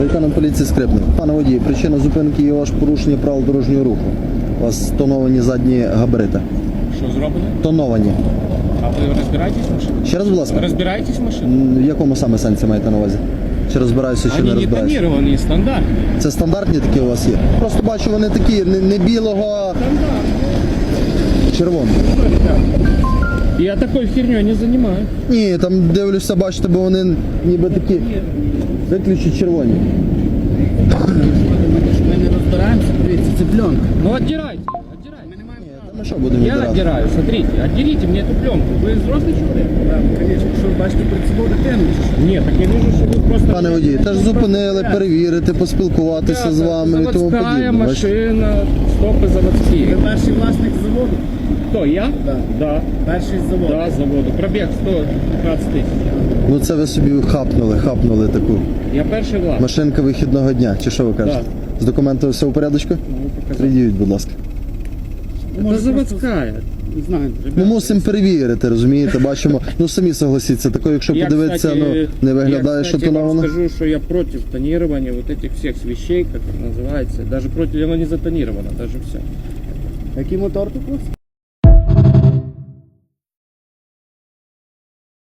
Лейтенант поліції Скрипник. Пане водій, причина зупинки є ваше порушення правил дорожнього руху. У вас тоновані задні габарити. Що зроблено? Тоновані. А ви розбираєтесь в машині? Ще раз, будь ласка. Розбираєтесь в машині? В якому саме сенсі маєте на увазі? Чи розбираюся, чи не Вони не розбираюся? тоніровані, стандартні. Це стандартні такі у вас є? Просто бачу, вони такі, не білого, а червоного. Я такою херню не займаюся. Ні, там дивлюся, бачите, бо вони ніби такі виключно червоні. Ми не розбираємося, дивіться, це пленка. Ну отдирайте, отдирайте. Та ми що будемо Я відбирати? отдираю, смотрите, отдерите мне эту пленку. Вы взрослый человек? Так, звісно, що ви бачите перед собою дитину. Нет, так я вижу, что вы просто... Пане водій, теж зупинили, перевірити, поспілкуватися з вами і тому Заводская подібне. Бачите? машина, стопы Ви заводские. перший власник заводу? Кто, я? Да. Да. Перший з заводу. Да, заводу. Пробег 115 тысяч. Ну це ви собі хапнули таку. Я перший власник. Машинка вихідного дня, чи що ви кажете? З документами все у порядочку? Приділіть, будь ласка. Это заводская. Не знаю, Ми мусимо перевірити, розумієте, бачимо. Ну самі согласіться, тако, якщо подивитися, кстати, не виглядає, що я, тоновано. скажу, что я против тонирования вот этих всех вещей, как это называется. Даже против, оно не затонировано, даже все. Який мотор тут у вас?